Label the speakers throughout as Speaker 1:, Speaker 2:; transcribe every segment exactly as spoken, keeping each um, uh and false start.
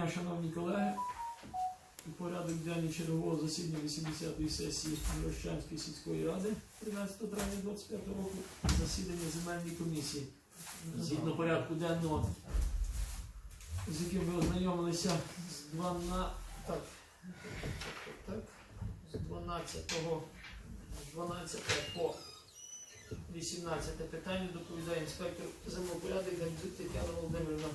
Speaker 1: дня, шановні колеги. Порядок денний чергового засідання вісімдесятої сесії Мирощанської сільської ради тринадцятого травня двадцять п'ятого року. Засідання земельної комісії. Згідно порядку денного, з яким ви ознайомилися з дванадцятого, так, так, з дванадцятого, з дванадцятого по вісімнадцяте питання доповідає інспектор землепорядок Гандзюк Тетяна Володимирівна.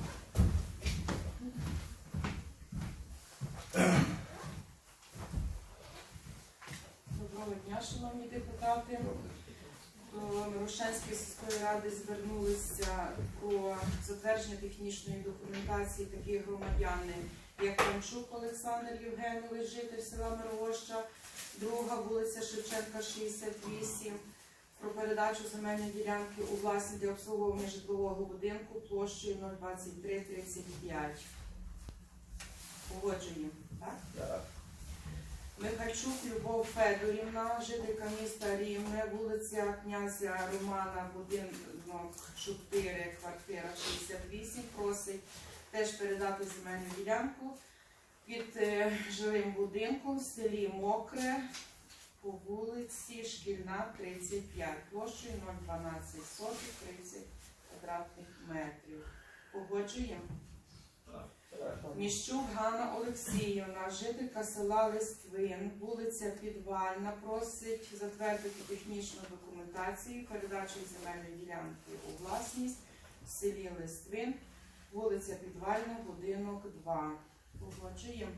Speaker 2: Доброго дня, шановні депутати. До Мирощанської сільської ради звернулися про затвердження технічної документації такі громадяни, як Панчук Олександр Євгенович, житель села Мирогоща, друга вулиця Шевченка, шістдесят вісім, про передачу земельної ділянки у власність для обслуговування житлового будинку площею нуль двадцять три тридцять п'ять. Погоджуємо, так? Так. Михальчук Любов Федорівна, жителька міста Рівне, вулиця Князя Романа, будинок чотири, квартира шістдесят вісім, просить теж передати земельну ділянку під е, жилим будинком в селі Мокре по вулиці Шкільна, тридцять п'ять, площею нуль дванадцять сотих, тридцять квадратних метрів. Погоджуємо? Міщук Ганна Олексіївна, жителька села Листвин, вулиця Підвальна, просить затвердити технічну документацію передачі земельної ділянки у власність в селі Листвин, вулиця Підвальна, будинок два. Погоджуємо?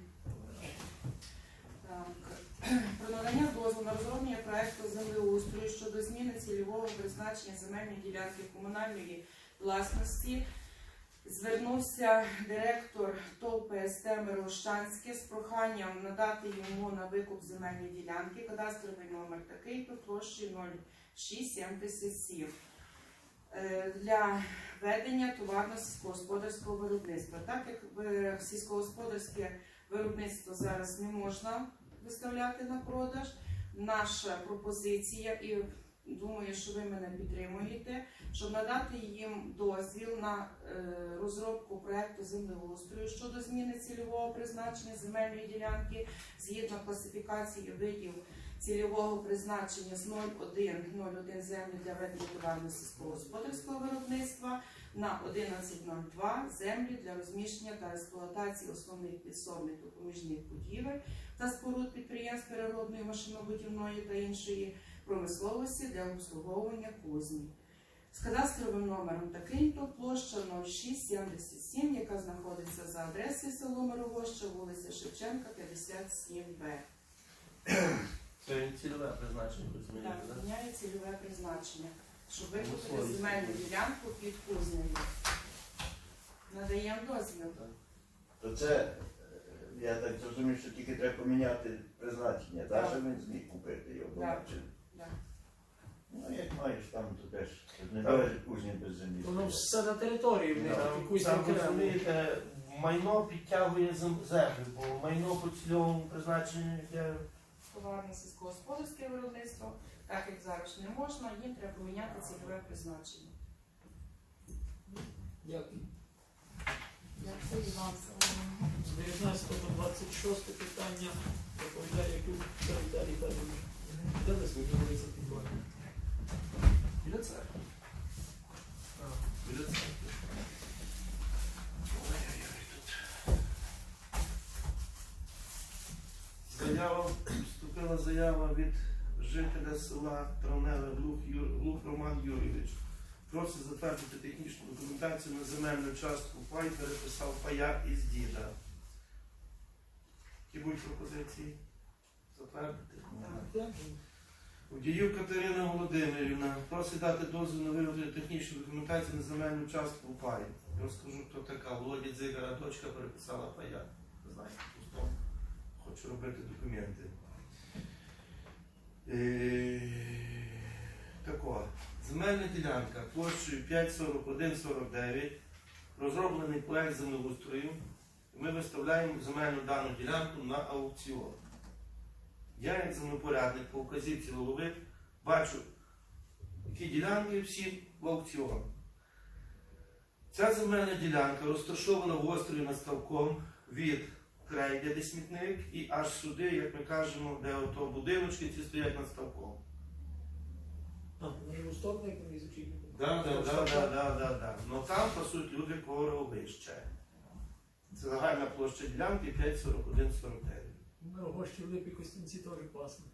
Speaker 2: Так. Про надання дозволу на розроблення проекту землеустрою щодо зміни цільового призначення земельної ділянки комунальної власності звернувся директор ТОВ ПСТ Мирощанське з проханням надати йому на викуп земельної ділянки кадастровий номер такий по площі нуль шість сімдесят сім для ведення товарно-сільськогосподарського виробництва. Так як сільськогосподарське виробництво зараз не можна виставляти на продаж, наша пропозиція, і думаю, що ви мене підтримуєте, щоб надати їм дозвіл на е, розробку проекту землеустрою щодо зміни цільового призначення земельної ділянки згідно класифікації видів цільового призначення з нуль один нуль один землі для ведення товарно-сільськогосподарського виробництва на одинадцять нуль два землі для розміщення та експлуатації основних підсобних допоміжних будівель та споруд підприємств переробної, машинобудівної та іншої промисловості для обслуговування кузні. З кадастровим номером такий-то площа нуль шість сімдесят сім, яка знаходиться за адресою село Мирогоща, вулиця Шевченка, п'ятдесят сім Б.
Speaker 3: Це цільове призначення, розумієте,
Speaker 2: Так,
Speaker 3: так?
Speaker 2: міняє цільове призначення, щоб викупити земельну ділянку під кузнею. Надаємо дозвіл.
Speaker 4: То це, я так зрозумів, що тільки треба поміняти призначення, так, щоб він зміг купити його.
Speaker 2: Так.
Speaker 4: Чи-
Speaker 2: Так.
Speaker 4: Ну, як маєш там, то теж не належить кузні без землі.
Speaker 1: Воно все на території, в них
Speaker 4: Так.
Speaker 1: якусь
Speaker 3: Там,
Speaker 1: окрему.
Speaker 3: розумієте, майно підтягує зем- землю, бо майно по цільовому призначенню йде.
Speaker 2: Товарне сільськогосподарське виробництво, так як зараз не можна, їм треба поміняти цільове призначення.
Speaker 1: Дякую.
Speaker 2: Дякую вам.
Speaker 1: З дев'ятнадцятого по двадцять шосте питання доповідає Якуб Віталій Федорович. Де ви звідси підвалі?
Speaker 3: Біля церкви. Біля церкви. Заява, вступила заява від жителя села Травневе Глух, Юр, Глух Роман Юрійович. Просить затвердити технічну документацію на земельну частку пай, переписав пая із діда. Які будуть пропозиції? Затвердити?
Speaker 1: Дякую.
Speaker 3: Удіїв Катерина Володимирівна просить дати дозвіл на виготовлення технічної документації на земельну частку пай. Я розкажу, хто така. Володя Дзигара, дочка, переписала пая. Знаєте, пустом. Хочу робити документи. Е... Тако. Земельна ділянка площею п'ять сорок один сорок дев'ять. Розроблений проект землеустрою. Ми виставляємо земельну дану ділянку на аукціон. Я, як землепорядник, по указівці голови, бачу, які ділянки всі в аукціон. Ця земельна ділянка розташована в острові над ставком від крейди, де смітник, і аж сюди, як ми кажемо, де ото будиночки ці стоять над ставком.
Speaker 1: А, на ліву сторону, як вони зачіпили.
Speaker 3: Да, да, да, да, да, да, да. Ну там пасуть люди коровище. Це загальна площа ділянки п'ять сорок один сорок дев'ять.
Speaker 1: На Рогощі в Липі Костянці теж класно.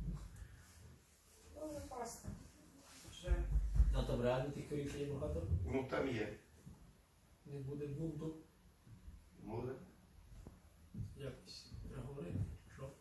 Speaker 2: Дуже класно. Вже
Speaker 1: А там реально тих корів ще є багато.
Speaker 3: Ну там є.
Speaker 1: Не буде бунту.
Speaker 3: Може.
Speaker 1: Якось треба говорити. Що?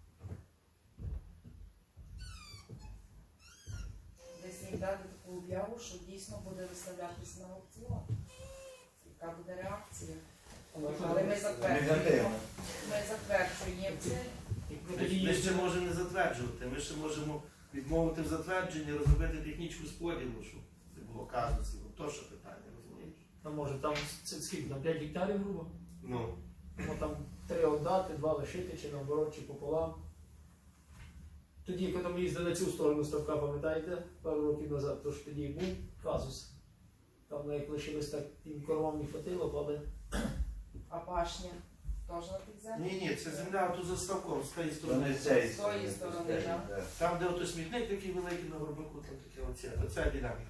Speaker 2: десь їм дати таку об'яву, що дійсно буде виставлятися на аукціон. Яка буде реакція? Але ми затверджуємо.
Speaker 4: Негативно.
Speaker 2: Ми затверджуємо це.
Speaker 1: Як
Speaker 3: Ми, ми ще можемо не затверджувати, ми ще можемо відмовити в затвердженні, розробити технічну споділу, щоб не було казусів. То що питання, розумієш?
Speaker 1: А може там це скільки, там п'ять гектарів грубо?
Speaker 3: Ну,
Speaker 1: Ну там три віддати, два лишити, чи наоборот, чи пополам. Тоді, коли ми їздили на цю сторону ставка, пам'ятаєте, пару років назад, то ж тоді був казус. Там як лишилось так, тим коровам не хватило, але
Speaker 2: А башня теж на підземі?
Speaker 3: ні, ні, це земля тут за ставком, з тієї
Speaker 4: То
Speaker 3: сторони.
Speaker 4: не з цієї
Speaker 2: З тої сторони,
Speaker 4: з цієї,
Speaker 2: так.
Speaker 4: да.
Speaker 3: Там, де ото смітник такий великий на горбаку, там таке оце, оця ділянка.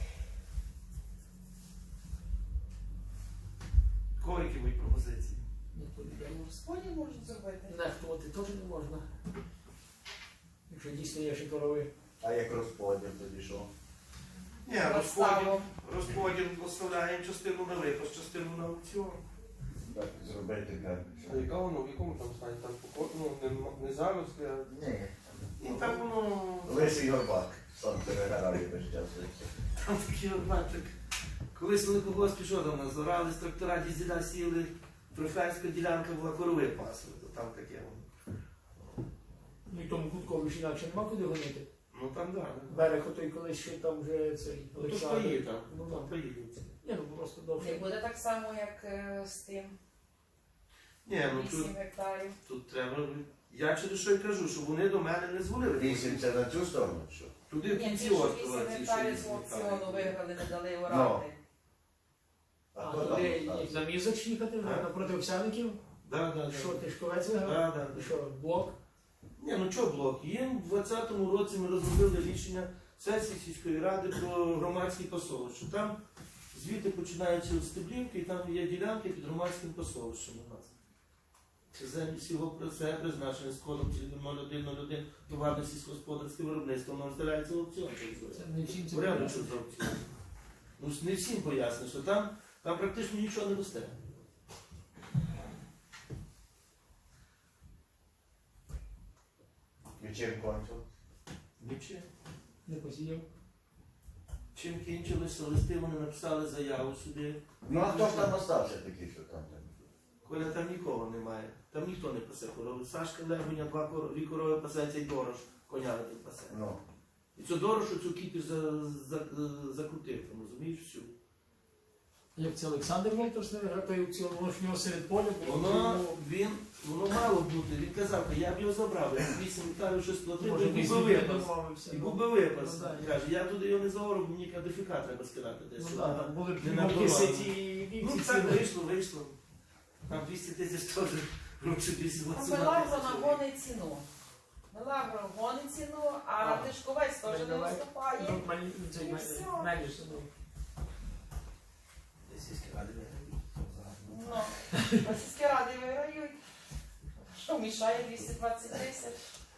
Speaker 3: Кого які мої пропозиції?
Speaker 1: ніхто не дає.
Speaker 2: Розподіл можуть зробити.
Speaker 1: Нехтувати теж не можна. Якщо дійсно є ще корови.
Speaker 4: А як розподіл тоді що?
Speaker 3: Ні, розподіл,
Speaker 2: Розставу.
Speaker 3: розподіл поставляємо частину на випас, частину на аукціон.
Speaker 4: Так зробити так.
Speaker 5: А яка воно, в якому там стані? Там поко- ну, не, не зараз, а
Speaker 4: Ні.
Speaker 3: І там воно,
Speaker 4: Лисий горбак. Сам переграє весь час.
Speaker 3: там такий от бачик. Колись вони когось пішов там нас зорали, з трактора дізеля сіли, трофейська ділянка була, корови пасли, то там таке воно.
Speaker 1: Ну і тому куткові ж інакше нема куди гонити.
Speaker 3: Ну там да.
Speaker 1: Берег отой колись ще там вже цей
Speaker 3: Ну то ж
Speaker 1: Олександр.
Speaker 3: поїде там,
Speaker 1: Ну,
Speaker 3: там
Speaker 1: да.
Speaker 3: поїде.
Speaker 1: Ні, ну просто
Speaker 2: Не
Speaker 1: довше.
Speaker 2: буде так само, як е, з тим
Speaker 3: Ні, ну тут,
Speaker 2: вісім гектарів.
Speaker 3: тут треба, я через що й кажу, що вони до мене не дзвонили.
Speaker 4: Вісім це на цю сторону, що?
Speaker 3: Туди в
Speaker 2: Ні,
Speaker 3: кінці
Speaker 2: ті, що
Speaker 3: острова
Speaker 2: вісім
Speaker 3: ці що
Speaker 2: гектарів з
Speaker 3: вісім
Speaker 2: аукціону
Speaker 3: гектарів.
Speaker 2: виграли, не дали орати.
Speaker 1: А
Speaker 4: то
Speaker 1: туди
Speaker 4: там,
Speaker 1: їх на мізок їхати,
Speaker 3: А?
Speaker 1: напроти Овсяників.
Speaker 3: Да, да,
Speaker 1: Що,
Speaker 3: да.
Speaker 1: Тишковець виграв?
Speaker 3: Да, да,
Speaker 1: І
Speaker 3: да.
Speaker 1: що, блок?
Speaker 3: Ні, ну що блок? Їм в двадцятому році ми розробили рішення сесії сільської ради про громадські пасовища. Там звідти починаються от стеблівки, і там є ділянки під громадським пасовищем у нас. Це землі сільгоспро це призначення з кодом нуль один нуль один товарне сільськогосподарське виробництво, воно роздаляється в аукціон.
Speaker 1: Це не всім це
Speaker 3: Порядок,
Speaker 1: пояснює.
Speaker 3: що з аукціону. Ну не всім поясню, що там, там практично нічого не росте.
Speaker 4: І чим кончив?
Speaker 3: Нічим.
Speaker 1: Не посіяв.
Speaker 3: Чим кінчилися листи, вони написали заяву сюди.
Speaker 4: Ну а хто ж там остався такий, що там?
Speaker 3: Коля, там нікого немає. Там ніхто не пасе корови. Сашка Легоня, два корови, дві корови пасеться і дорож, коня не пасе.
Speaker 4: Ну.
Speaker 3: І цю дорошу, цю кіпіш за, за, закрутив, там, розумієш, всю.
Speaker 1: Як це Олександр Волтос не виграв той аукціон, воно ж в нього серед поля було.
Speaker 3: Воно,
Speaker 1: тому,
Speaker 3: він, воно мало бути, він казав, я б його забрав, я б вісім гектарів щось платив,
Speaker 1: Може,
Speaker 3: і
Speaker 1: ми
Speaker 3: був
Speaker 1: з
Speaker 3: би
Speaker 1: ним
Speaker 3: випас.
Speaker 1: домовився.
Speaker 3: І
Speaker 1: ну.
Speaker 3: був би випас.
Speaker 1: Ну, да,
Speaker 3: Каже, я туди його не заору, бо мені кадифіка треба скидати десь.
Speaker 1: Ну так, там були
Speaker 3: Не
Speaker 1: б
Speaker 3: набивали.
Speaker 1: сеті і
Speaker 3: Ну
Speaker 1: вівці
Speaker 3: так
Speaker 1: ціли.
Speaker 3: вийшло, вийшло. Там двісті тисяч теж гроші вісім
Speaker 2: Мелагро нагонить ціну. Мелагро гонить ціну, а
Speaker 3: А.
Speaker 2: Тишковець теж не
Speaker 1: Давай.
Speaker 2: виступає.
Speaker 1: Ну, мені- цей
Speaker 2: І
Speaker 1: ме-
Speaker 2: все.
Speaker 1: менше, ну.
Speaker 3: Сільські ради
Speaker 2: Ну, а сільські ради виграють. Що мішає двісті двадцять тисяч?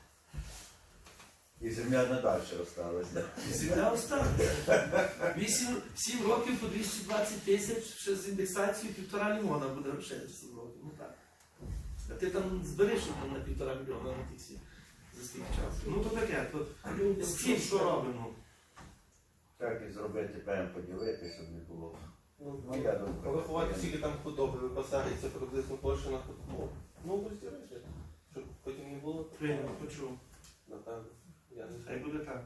Speaker 4: І земля надальше осталася.
Speaker 3: Земля осталася. Вісім років по двісті двадцять тисяч, ще з індексацією півтора мільйона буде грошей за сім років. Ну так. А ти там збереш там, на півтора мільйона на тих всі за скільки часу. Ну то таке, то з цим що робимо?
Speaker 4: Так і зробити, прямо поділити, щоб не було.
Speaker 5: ну,
Speaker 4: Ну, я думаю,
Speaker 5: порахувати, скільки там худоби випасається приблизно площа на худобу. Ну, розділити, щоб потім не було
Speaker 3: Прийнямо, почув.
Speaker 5: напевно. Я не
Speaker 3: Хай
Speaker 5: знаю.
Speaker 3: буде так.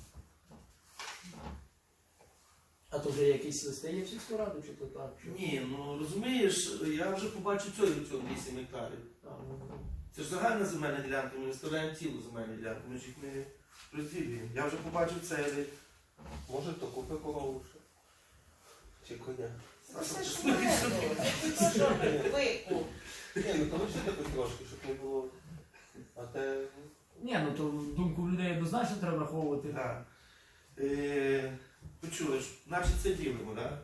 Speaker 1: А то вже якісь листи є в сільську раду, чи то так? Чи...
Speaker 3: Ні, ну розумієш, я вже побачив цього цього вісім гектарів.
Speaker 1: А, ну, ну.
Speaker 3: Це ж загальна земельна ділянка, ми виставляємо цілу земельну ділянку, ми ж їх не розділюємо. Я вже побачив цей.
Speaker 5: Може, то купи корову ще. Чи коня.
Speaker 2: Це ж не викуп.
Speaker 5: Ні, ну то лишити хоч трошки, щоб не було. А те.
Speaker 1: Ні, ну то думку людей однозначно треба враховувати.
Speaker 3: Так. Е, почули ж, наче це ділимо, так?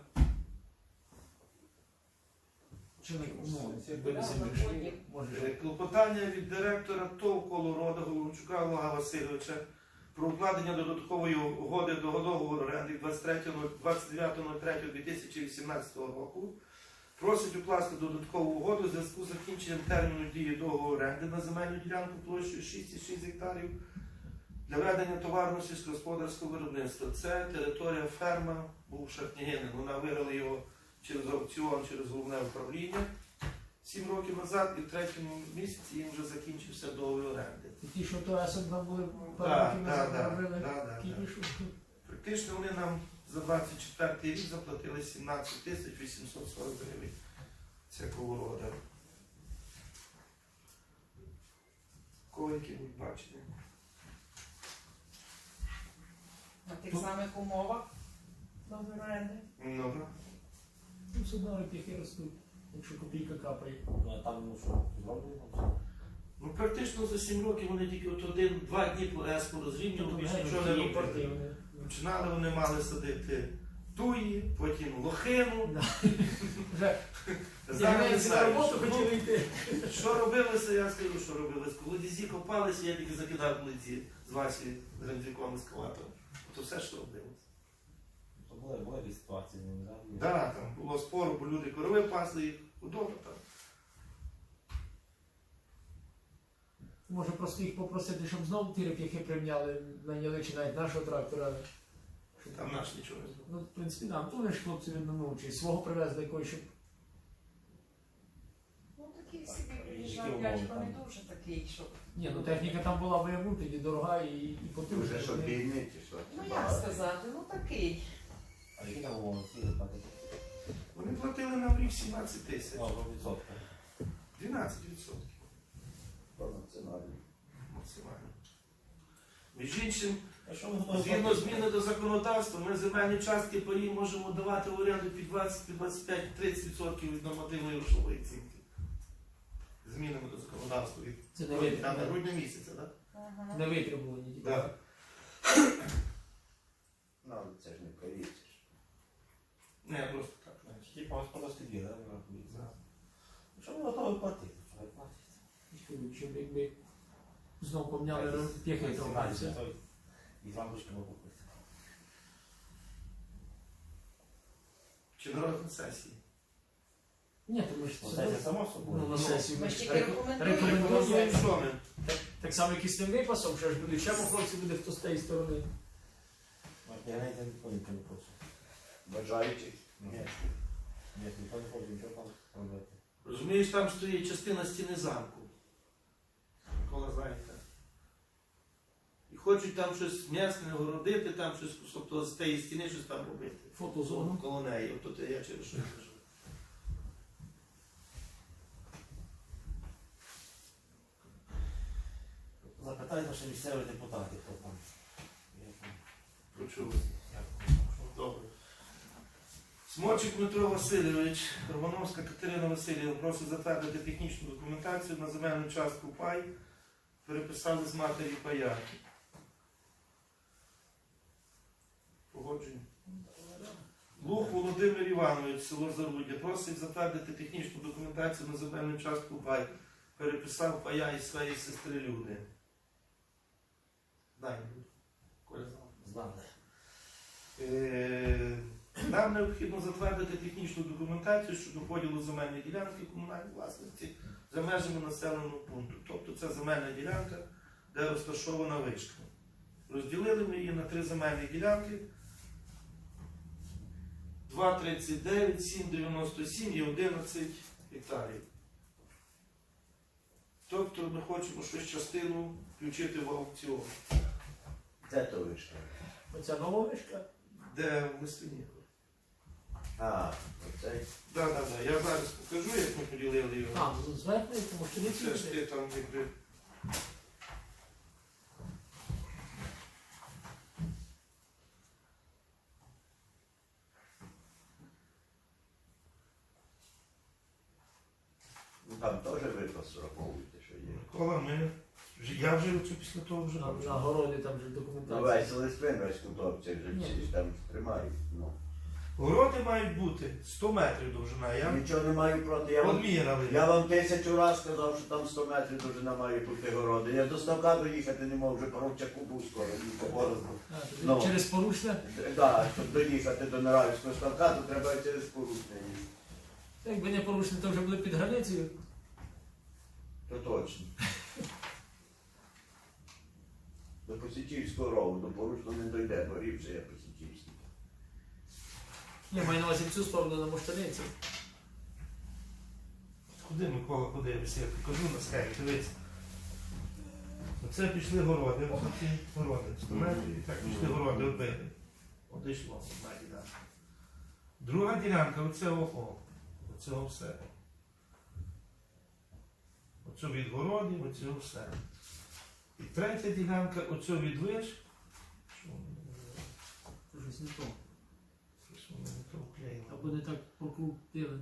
Speaker 1: Чи не ну,
Speaker 5: Всі
Speaker 1: якби не
Speaker 2: Да,
Speaker 1: землі,
Speaker 2: виходять.
Speaker 1: може.
Speaker 3: Е, Клопотання від директора ТОВ «Колорода» Головчука Олега Васильовича про укладення додаткової угоди до договору оренди двадцять дев'ятого третього дві тисячі вісімнадцятого року. Просить укласти додаткову угоду в зв'язку з закінченням терміну дії договору оренди на земельну ділянку площею шість цілих шість гектарів для ведення товарного сільськогосподарського виробництва. Це територія ферма, був Шартнігенин. Вона виграла його через аукціон, через головне управління сім років назад, і в третьому місяці їм вже закінчився договір оренди.
Speaker 1: І ті, що то там були
Speaker 3: Так,
Speaker 1: пару
Speaker 3: так, так,
Speaker 1: робили,
Speaker 3: так, так.
Speaker 1: кіпішу.
Speaker 3: Практично вони нам за двадцять четвертий рік заплатили сімнадцять тисяч вісімсот сорок гривень. Це Колорода. Кого які будуть бачення?
Speaker 2: На тих самих умовах договору оренди.
Speaker 3: Ну, так.
Speaker 1: Ну, все одно реп'яхи ростуть, якщо копійка капає.
Speaker 6: Ну, а там, ну що, зроблено?
Speaker 3: Ну, практично за сім років вони тільки от один-два дні по ЕСПу розрівнювали, більше
Speaker 1: Геть,
Speaker 3: нічого не
Speaker 1: ті
Speaker 3: робили.
Speaker 1: партії,
Speaker 3: Починали вони мали садити туї, потім лохину.
Speaker 1: Да. Вже
Speaker 3: Зараз не
Speaker 1: на
Speaker 3: знаю,
Speaker 1: роботу
Speaker 3: що,
Speaker 1: хотіли йти.
Speaker 3: що робилося, я скажу, що робилося. Коли дізі копалися, я тільки закидав ледзі з Васі з Рендріком ескалатором. Ото все, що робилося.
Speaker 6: То були, були якісь ситуації, не знаю.
Speaker 3: Так, там було спору, бо люди корови пасли, їх худоба там.
Speaker 1: Може просто їх попросити, щоб знову ті реп'яхи прийняли, найняли чи навіть нашого трактора. Щоб
Speaker 3: Там наш нічого не зробив.
Speaker 1: Ну, в принципі, да, то вони ж хлопці ну, чи свого привезли якогось, щоб
Speaker 2: Ну такий
Speaker 6: Так,
Speaker 2: собі
Speaker 6: і
Speaker 2: приїжджав
Speaker 6: які
Speaker 2: дядько,
Speaker 6: умови
Speaker 2: не
Speaker 6: там?
Speaker 2: дуже такий, щоб.
Speaker 1: ні, ну техніка там була вияву, тоді дорога і, і
Speaker 4: Ти
Speaker 1: потужна.
Speaker 4: вже що
Speaker 1: Вони-
Speaker 4: бідний чи що?
Speaker 2: Ну
Speaker 4: Чи
Speaker 2: як
Speaker 4: багатий?
Speaker 2: сказати, ну такий.
Speaker 6: А які там умови? Скільки платити?
Speaker 3: Вони платили нам в рік сімнадцять тисяч.
Speaker 6: Ну, про відсотки.
Speaker 3: дванадцять відсотків
Speaker 4: По національній.
Speaker 3: максимально. Між іншим,
Speaker 6: А що ми готові
Speaker 3: згідно
Speaker 6: платити?
Speaker 3: зміни до законодавства, ми земельні частки паї можемо давати в оренду під двадцять, під двадцять п'ять, тридцять відсотків від нормативної грошової оцінки. Змінами до законодавства від
Speaker 1: Це не
Speaker 3: там, на
Speaker 1: витребувані.
Speaker 3: грудня місяця, так?
Speaker 2: Ага.
Speaker 1: Не витребувані. тільки.
Speaker 3: Да?
Speaker 4: Ну, але це ж не повіриш.
Speaker 3: Не, просто так, знаєш.
Speaker 6: Типа господарські дві, так?
Speaker 3: Да.
Speaker 6: Що ми готові платити? Що ви платите?
Speaker 1: Щоб якби знов поміняли реп'яхи трохи. все.
Speaker 6: І з лампочками купити.
Speaker 3: Чи на розгляд сесії?
Speaker 1: Ні, тому що
Speaker 6: Ну,
Speaker 1: це
Speaker 6: це само собою.
Speaker 1: ну, на сесію.
Speaker 2: Ми
Speaker 1: Ми
Speaker 2: ж
Speaker 1: ж
Speaker 2: тільки
Speaker 1: реко-
Speaker 2: рекомендуємо.
Speaker 1: рекомендуємо.
Speaker 3: Ну, що ми?
Speaker 1: Так само, як і з тим випасом, що ж буде ще по хлопці буде хто з тієї сторони.
Speaker 6: Я навіть не ніхто не хоче.
Speaker 4: Бажаючих?
Speaker 6: Ні. Ні, ніхто не хоче нічого там робити.
Speaker 3: Розумієш, там стоїть частина стіни замку. Микола знаєте. І хочуть там щось м'ясне огородити, там щось, тобто з тієї стіни щось там робити.
Speaker 1: Фотозону.
Speaker 3: Коло неї. От тут я через що я кажу.
Speaker 6: Запитайте ще місцевих депутатів, хто там. Як там.
Speaker 3: Почув.
Speaker 6: Як там.
Speaker 3: Добре. Смочик Дмитро Васильович, Романовська Катерина Васильівна просить затвердити технічну документацію на земельну частку пай. Переписали з матері пая. Погодження. Лух Володимир Іванович, село Заруддя, просить затвердити технічну документацію на земельну частку пай. Переписав пая із своєї сестри Люди. Дай, Коля знав.
Speaker 6: Знали.
Speaker 3: Е, Нам необхідно затвердити технічну документацію щодо поділу земельної ділянки комунальної власності за межами населеного пункту. Тобто це земельна ділянка, де розташована вишка. Розділили ми її на три земельні ділянки. два тридцять дев'ять, сім дев'яносто сім і одинадцять гектарів. Тобто ми хочемо щось частину включити в аукціон.
Speaker 4: Де то вишка?
Speaker 1: Оця нова вишка.
Speaker 3: Де в Лисвині.
Speaker 4: А, оцей.
Speaker 3: Так, так, так. Я зараз покажу, як ми поділили його.
Speaker 1: А, ну, зверху, тому що не
Speaker 3: Це ж
Speaker 1: ці.
Speaker 3: ти там якби.
Speaker 4: теж випас враховуйте, що є.
Speaker 3: Микола, ми... вже- Я вже оцю після того вже
Speaker 1: На,
Speaker 3: бачу.
Speaker 1: на городі там вже
Speaker 4: Ну,
Speaker 1: документація.
Speaker 4: весь листвин, весь куток, це вже
Speaker 1: Ні.
Speaker 4: всі ж там тримають. Ну.
Speaker 3: Городи мають бути сто метрів довжина. Я
Speaker 4: Нічого не маю проти. Я вам,
Speaker 3: одміряли.
Speaker 4: я вам тисячу разів сказав, що там сто метрів довжина має бути городи. Я до ставка доїхати не можу, вже Поровчаку був скоро, і по Борозну.
Speaker 1: А, тоді
Speaker 4: Ну.
Speaker 1: через порушне.
Speaker 4: Так, щоб доїхати до Наравівського ставка, то треба через порушення їхати.
Speaker 1: Якби не порушне, то вже були під границею.
Speaker 4: То точно. До Посічівського рову, до порушного не дойде, бо рівше я Посічівський.
Speaker 1: Я маю на увазі в цю сторону на Моштаниці.
Speaker 3: Куди, Микола, подивишся? Я покажу на схемі, дивись. Оце пішли городи, ось ці городи, сто метрів, і так пішли городи, оббили. От йшло, одна ділянка. Друга ділянка, оце о, оце все. Оце від городів, оце все. І третя ділянка, оце від виш. Що воно не
Speaker 1: Це щось не то.
Speaker 3: щось воно не то вклеїло.
Speaker 1: Або не так прокрутили.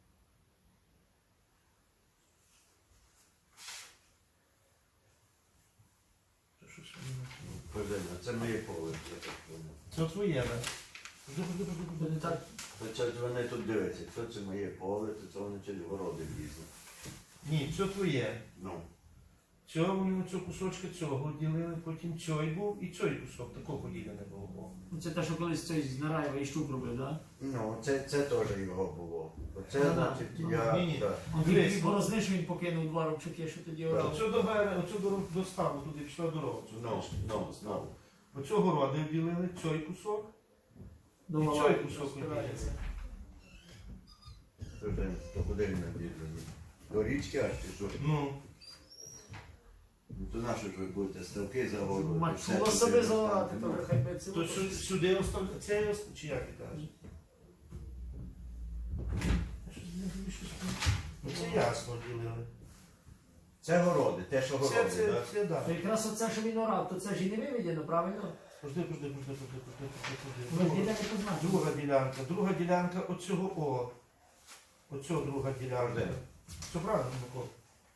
Speaker 3: Це щось воно не то.
Speaker 4: Пожалуйста, це моє поле. я так думаю.
Speaker 3: Це твоє, так? Ходи, ходи, ходи,
Speaker 1: Бо
Speaker 3: ходи.
Speaker 1: не так.
Speaker 4: То це ж вони тут дивляться, хто це моє поле, то це вони через городи влізли.
Speaker 3: Ні, це твоє.
Speaker 4: Ну,
Speaker 3: Цього вони оцю кусочки цього ділили, потім цей був і цей кусок, такого поділене було.
Speaker 1: Ну, це те, що колись цей з Нараєва і Щук робив, так?
Speaker 4: ну це, це теж його було. Оце,
Speaker 1: Ну, да.
Speaker 4: значить,
Speaker 1: Ну,
Speaker 4: я...
Speaker 3: ні, ні.
Speaker 4: да.
Speaker 1: А
Speaker 3: Дивись,
Speaker 1: він борозни, що він покинув два робчаки, що тоді
Speaker 4: Так.
Speaker 1: орав.
Speaker 3: Оцю до берега, оцю до, до ставу, туди пішла дорога. Цю,
Speaker 4: Ну,
Speaker 3: знаєш,
Speaker 4: ну,
Speaker 3: цю ставу.
Speaker 4: ну.
Speaker 3: Оцю городи ділили, цей кусок.
Speaker 1: До
Speaker 3: І
Speaker 1: Валаї
Speaker 3: цей кусок
Speaker 1: спирається.
Speaker 4: Це вже, то куди він надіжджені? До річки аж чи що?
Speaker 3: Ну,
Speaker 4: Ну, то нащо ж ви будете ставки загородити?
Speaker 1: Мачуло себе заорати, то вже хай би це.
Speaker 3: то сю- сюди оставляти, це я ост- чи як ти кажеш? Я щось не розумію, що це. Ну це ясно ділили.
Speaker 4: Це городи, те, що
Speaker 3: Це,
Speaker 4: городи,
Speaker 3: це,
Speaker 4: так?
Speaker 3: це, да.
Speaker 1: То якраз оце, що він орав, то це ж і не виведено, правильно?
Speaker 3: Пожди, пожди, пожди, пожди, пожди, пожди,
Speaker 1: Ми ж
Speaker 3: пожди.
Speaker 1: ніде не позначили.
Speaker 3: Друга ділянка, друга ділянка оцього О. Оцього друга ділянка.
Speaker 4: Де?
Speaker 3: Все правильно, Микола?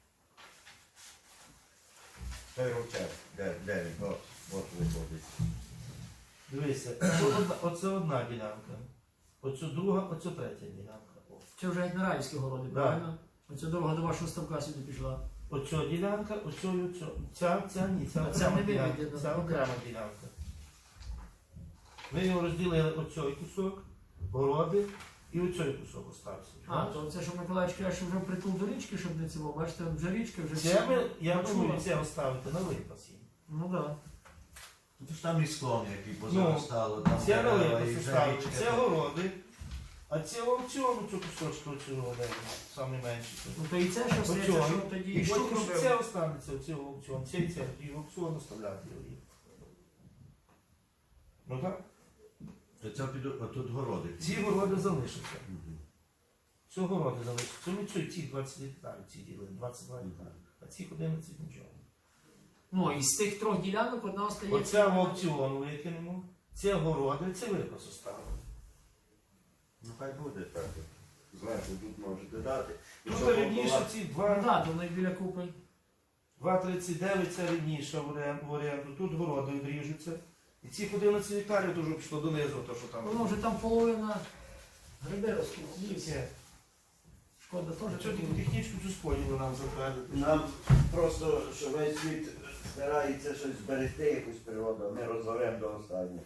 Speaker 4: Той ровчак, де, де він? От, от виходить.
Speaker 3: Дивися, це одна, оце одна ділянка. Оцю друга, оцю третя ділянка. О.
Speaker 1: Це вже як Нараївські городи,
Speaker 3: Да.
Speaker 1: правильно? Оця дорога до вашого ставка сюди пішла.
Speaker 3: Оця ділянка, оцю, оцю. Ця, ця, ні, ця
Speaker 1: А ця
Speaker 3: окрема
Speaker 1: не
Speaker 3: ділянка.
Speaker 1: виведена,
Speaker 3: Ця
Speaker 1: ну,
Speaker 3: окрема ділянка. Ми його розділили оцей кусок, городи, і оцей кусок остався.
Speaker 1: А, то це, що Миколаївич каже, що вже притул до річки, щоб не цього. Бачите, вже річка, вже
Speaker 3: Це ми, я
Speaker 1: Мачула.
Speaker 3: думаю, це оставити на випас їм.
Speaker 1: Ну так.
Speaker 4: Ну, то ж там і склон, який
Speaker 3: Ну,
Speaker 4: позаростало, там
Speaker 3: Це на
Speaker 4: дерева і
Speaker 3: випас
Speaker 4: вже
Speaker 3: оставити,
Speaker 4: річка.
Speaker 3: це городи. А це аукціону цю кусочку цього саме менше.
Speaker 1: Ну то і це, що все, це
Speaker 3: Оцього.
Speaker 1: що тоді
Speaker 3: І
Speaker 1: і Щук
Speaker 3: потім
Speaker 1: робив.
Speaker 3: це останеться, оце аукціон, це і це, і в аукціон оставляти його. Ну так.
Speaker 4: То це піду, отут городи.
Speaker 3: Ці городи залишаться.
Speaker 4: Мгм.
Speaker 3: Ці городи залишаться. Це ми ці, ці двадцять гектарів, ці ділили, двадцять два гектари. А ці одинадцять нічого.
Speaker 1: Ну, і з тих трьох ділянок одна остається.
Speaker 3: Оце в аукціон викинемо, це городи, це випас оставимо.
Speaker 4: Ну хай буде так. Зверху тут можете дати. І
Speaker 3: Ну,
Speaker 4: щоб
Speaker 3: то рівніше
Speaker 4: була-
Speaker 3: ці
Speaker 1: Ну
Speaker 3: два.
Speaker 1: так, то вони біля купи.
Speaker 3: два тридцять дев'ять це рівніше в оренду, в оренду. Тут городи відріжуться. І ці одинадцять гектарів теж пішло донизу, то що там.
Speaker 1: Воно вже там половина гриби ростуть.
Speaker 3: Це.
Speaker 1: Шкода
Speaker 3: А
Speaker 1: теж.
Speaker 3: що ти технічку цю сподіву нам затвердити?
Speaker 4: Нам просто, що весь світ старається щось зберегти, якусь природу, а ми розоремо до останнього.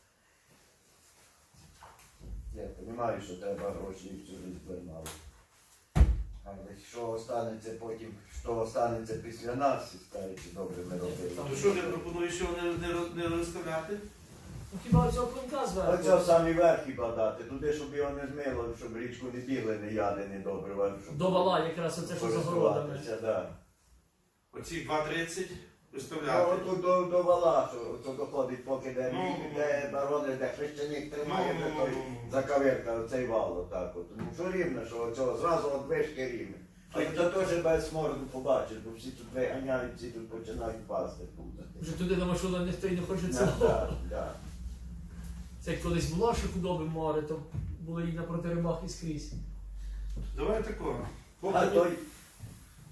Speaker 4: Я розумію, що треба гроші і всю життя мало. Але що останеться потім, що останеться після нас, і старіці добре ми робили.
Speaker 3: То що ти пропонуєш його не, не, роз- не розставляти?
Speaker 1: Ну хіба цього клинка зверху?
Speaker 4: Оце самі верхи подати, туди, щоб його не змило, щоб річку не бігли, не яди, не добре. Щоб
Speaker 1: До вала якраз оце, що за городами.
Speaker 4: користуватися, да.
Speaker 3: Оці два тридцять
Speaker 4: Ну,
Speaker 3: виставляти.
Speaker 4: отут до, до вала, що то доходить, поки де,
Speaker 3: Ну,
Speaker 4: де барони, де хрещеник тримає,
Speaker 3: Ну,
Speaker 4: де
Speaker 3: ну,
Speaker 4: той
Speaker 3: ну, ну.
Speaker 4: закавирка, оцей вал, отак от. Ну, що рівно, що оцього зразу от вишки рівне. Але то теж без смороду побачиш, бо всі тут виганяють, всі тут починають пасти.
Speaker 1: Вже туди на машину ніхто й не хоче
Speaker 4: Да,
Speaker 1: цього.
Speaker 4: да, да.
Speaker 1: Це як колись було, що худоби море, то були і на протиримах і скрізь.
Speaker 3: Давай такого.
Speaker 4: А той,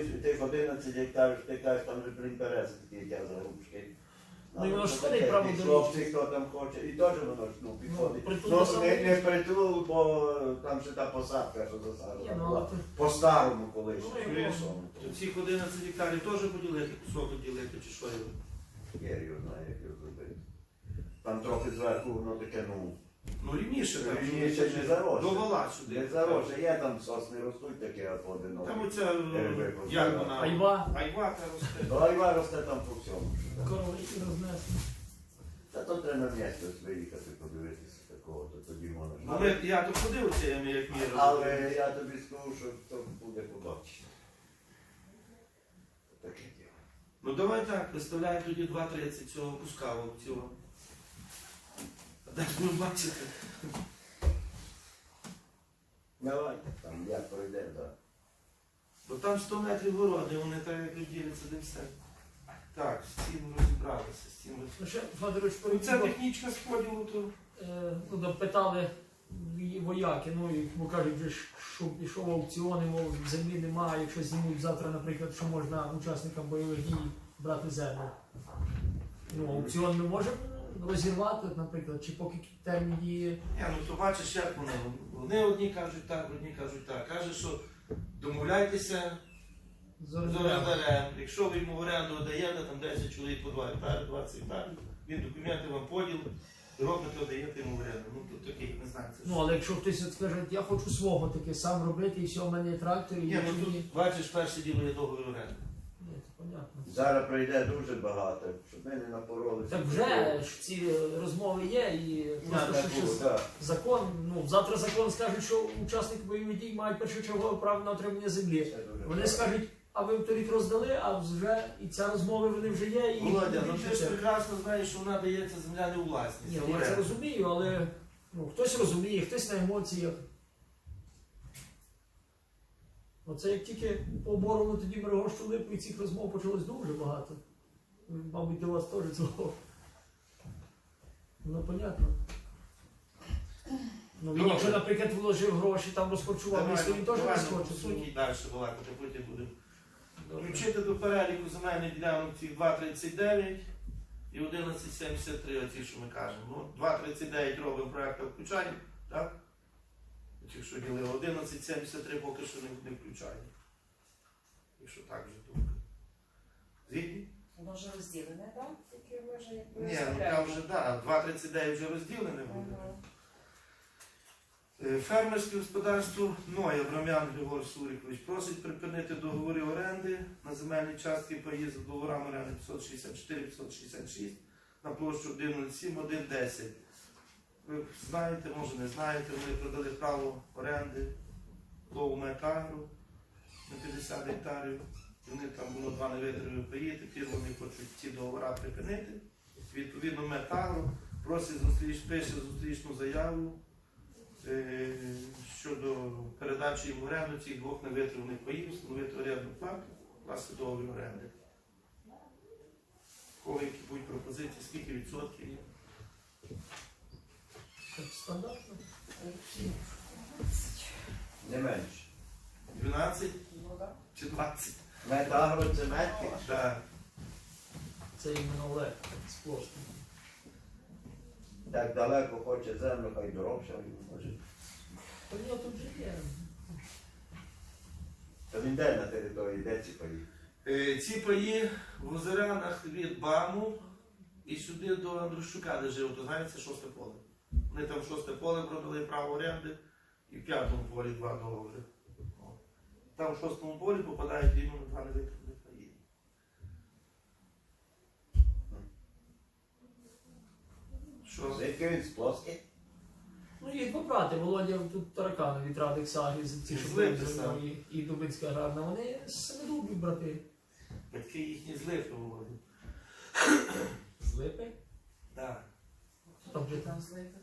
Speaker 4: тих одинадцять гектарів, ти кажеш, там вже блін берези такі, як я зарубки.
Speaker 1: Ну, і воно ж
Speaker 4: таке,
Speaker 1: ходить право
Speaker 4: і
Speaker 1: до
Speaker 4: хлопці,
Speaker 1: річки.
Speaker 4: хто там хоче, і теж воно ж, ну, підходить.
Speaker 1: притул
Speaker 4: Ну,
Speaker 1: до самого
Speaker 4: не, не притул, бо там ще та посадка, що
Speaker 1: Ні,
Speaker 4: засаджена
Speaker 1: ну,
Speaker 4: була.
Speaker 1: але то-
Speaker 4: По-старому колись.
Speaker 1: Ну, і
Speaker 4: Лісом.
Speaker 3: То цих одинадцять гектарів теж поділити, кусок поділити чи що його?
Speaker 4: Я його знаю, як його зробити. Там трохи зверху воно таке, ну,
Speaker 3: Ну рівніше, там
Speaker 4: Рівніше не заросше.
Speaker 3: до вала сюди.
Speaker 4: не заросше. Є там сосни ростуть таке от одинокі.
Speaker 3: Там оця,
Speaker 4: Дерева
Speaker 3: як вона?
Speaker 1: Айва,
Speaker 3: Айва та росте.
Speaker 4: Ну, айва росте там по всьому.
Speaker 1: корови і рознесли.
Speaker 4: Та то треба на місце ось виїхати, подивитися такого, то тоді можна.
Speaker 3: Ну, ми, я то ходив цими, як міру.
Speaker 4: Але я тобі скажу, що то буде побачити. Таке діло.
Speaker 3: Ну давай так, виставляй тоді два тридцять цього куска цього. А далі будемо бачити.
Speaker 4: Давай, там як пройде, так.
Speaker 3: Бо там сто метрів городи, вони так як розділяться, де все. Так, з цим розібралися, з цим
Speaker 1: Ну, ще, Федорович,
Speaker 3: Ну,
Speaker 1: перед
Speaker 3: це технічка з поділу, то
Speaker 1: Е, ну, да, питали і вояки, ну, і, бо кажуть, же ж, що пішов аукціон, і, мов, землі немає, якщо знімуть завтра, наприклад, що можна учасникам бойових дій брати землю. Ну, аукціон ми можемо розірвати, наприклад, чи поки термін діє.
Speaker 3: Ні, ну то бачиш, як вони. Вони одні кажуть так, одні кажуть так. Каже, що домовляйтеся
Speaker 1: з
Speaker 3: з
Speaker 1: орендарем.
Speaker 3: орендарем. Якщо ви йому в оренду даєте, там десять чоловік по два гектари, двадцять гектарів, він документи вам поділ, робите, даєте йому в оренду. Ну тут такий, не знаю, це
Speaker 1: Ну,
Speaker 3: що.
Speaker 1: але якщо хтось от скаже, я хочу свого таке, сам робити, і все, в мене є трактор, і
Speaker 3: Ні,
Speaker 1: якщо
Speaker 3: ну
Speaker 1: ні.
Speaker 3: тут бачиш, перше діло є договір оренди.
Speaker 1: Ні, це понятно.
Speaker 4: Зараз прийде дуже багато, щоб ми не напоролися.
Speaker 1: Так вже ж ці розмови є, і просто що щось
Speaker 4: так.
Speaker 1: закон, ну, завтра закон скаже, що учасники бойових дій мають першочергове право на отримання землі.
Speaker 4: Це дуже
Speaker 1: Вони
Speaker 4: правильно.
Speaker 1: скажуть, а ви торік роздали, а вже і ця розмова вони вже є. І
Speaker 3: Володя, ну
Speaker 1: і
Speaker 3: ти ж
Speaker 1: все.
Speaker 3: прекрасно знаєш, що вона дається земля не у власність.
Speaker 1: Ні,
Speaker 3: а в
Speaker 1: я це
Speaker 3: оренду.
Speaker 1: розумію, але ну, хтось розуміє, хтось на емоціях. Оце як тільки побороли тоді Мирогощу Липу, і цих розмов почалось дуже багато. Мабуть, до вас теж цього. Ну, понятно. Ну, він,
Speaker 3: Добре.
Speaker 1: якщо, наприклад, вложив гроші, там розхочував
Speaker 3: Давай,
Speaker 1: місто, він теж
Speaker 3: давай, ну,
Speaker 1: розхоче.
Speaker 3: по суті далі балакати, потім будемо.
Speaker 1: Добре.
Speaker 3: Включити до переліку земельних ділянок ці два тридцять дев'ять і одинадцять сімдесят три, оці, що ми кажемо. Ну, два тридцять дев'ять робимо проєкт включаємо, так? Ті, що ділили, одинадцять сімдесят три поки що не, не включаємо. Якщо так вже думка. Згідні?
Speaker 2: Воно вже розділене, так? Тільки ви вже якби
Speaker 3: Ні, ну там вже, так, два тридцять дев'ять вже розділене буде. Е, Фермерське господарство Ноя Брам'ян Григор Сурикович просить припинити договори оренди на земельні частки паї за договорами оренди п'ятсот шістдесят чотири п'ятсот шістдесят шість на площу один нуль сім один десять. Ви знаєте, може не знаєте, вони продали право оренди Лову Метагру на п'ятдесят гектарів. Вони там було два невитримі паї, тепер вони хочуть ці договори припинити. Відповідно, Метагру просить зустріч, пише зустрічну заяву е, щодо передачі їм в оренду цих двох невитриманих паїв, встановити орендну плату, власне договір оренди. Кого які будуть пропозиції, скільки відсотків є?
Speaker 1: Так, стандартно.
Speaker 4: Не менше.
Speaker 3: дванадцять
Speaker 2: Ну, так.
Speaker 3: чи двадцять?
Speaker 4: Метагро це метки.
Speaker 3: Так.
Speaker 1: Це іменно Олег з площі.
Speaker 4: Так далеко хоче землю, хай дорожче, він може.
Speaker 1: Та ні, тут же є.
Speaker 4: То він де на території, де ці паї?
Speaker 3: Е, Ці паї в озерянах від Баму і сюди до Андрущука, де жив, то знаєте, шосте поле. Вони там шосте поле продали право оренди і в п'ятому полі два договори. О. Там в шостому полі попадають іменно два невитриманих паї. Що?
Speaker 4: Звідки він з плоски?
Speaker 1: Ну, їх побрати, Володя тут таракани від Радик Саги, ці, що
Speaker 3: Злити
Speaker 1: були
Speaker 3: сам.
Speaker 1: і, і Дубинська аграрна, вони семидубні брати.
Speaker 3: Батьки їхні злити Володя.
Speaker 1: З Липи?
Speaker 3: Так.
Speaker 1: Хто там жити?
Speaker 2: Там злити.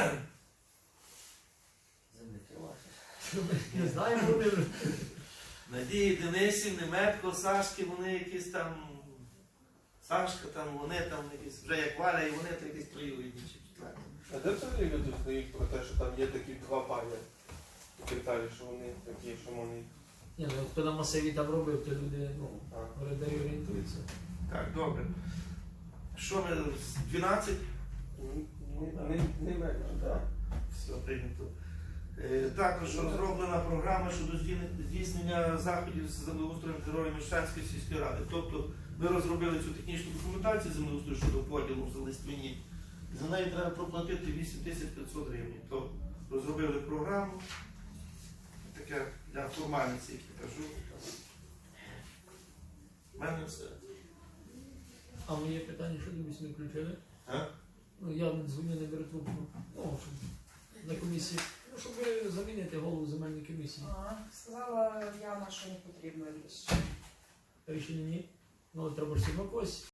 Speaker 6: Землики ваші.
Speaker 1: Не знаю, вони вже.
Speaker 3: Надії Денисів, Неметко, Сашки, вони якісь там. Сашка там, вони там якісь, вже як Валя, і вони то якісь троюрідні чи четверті.
Speaker 5: А де взагалі люди знають про те, що там є такі два пані? Деталі, що вони такі, що вони
Speaker 1: Ні, ну хто на масиві там робив, то люди, ну,
Speaker 5: А.
Speaker 1: орендарі орієнтуються.
Speaker 3: Так, добре. Що ми, з дванадцять?
Speaker 5: Не, не, не менше, так.
Speaker 3: Все прийнято. Е, Також розроблена програма щодо здійснення- здійснення заходів з землеустроєм території Мещанської сільської ради. Тобто ми розробили цю технічну документацію землеустрою щодо поділу в листвині. За неї треба проплатити вісім тисяч п'ятсот гривень. То розробили програму. Таке для формальності, як я кажу. У мене все.
Speaker 1: А моє питання, що дивись, не включили?
Speaker 3: А?
Speaker 1: Ну, я не дзвоню, не беру трубку. Ну, щоб на комісії. Ну, щоб замінити голову земельної комісії.
Speaker 2: Ага, сказала Яна, що не потрібно рішення.
Speaker 1: Рішення ні. Ну, але треба ж все одно когось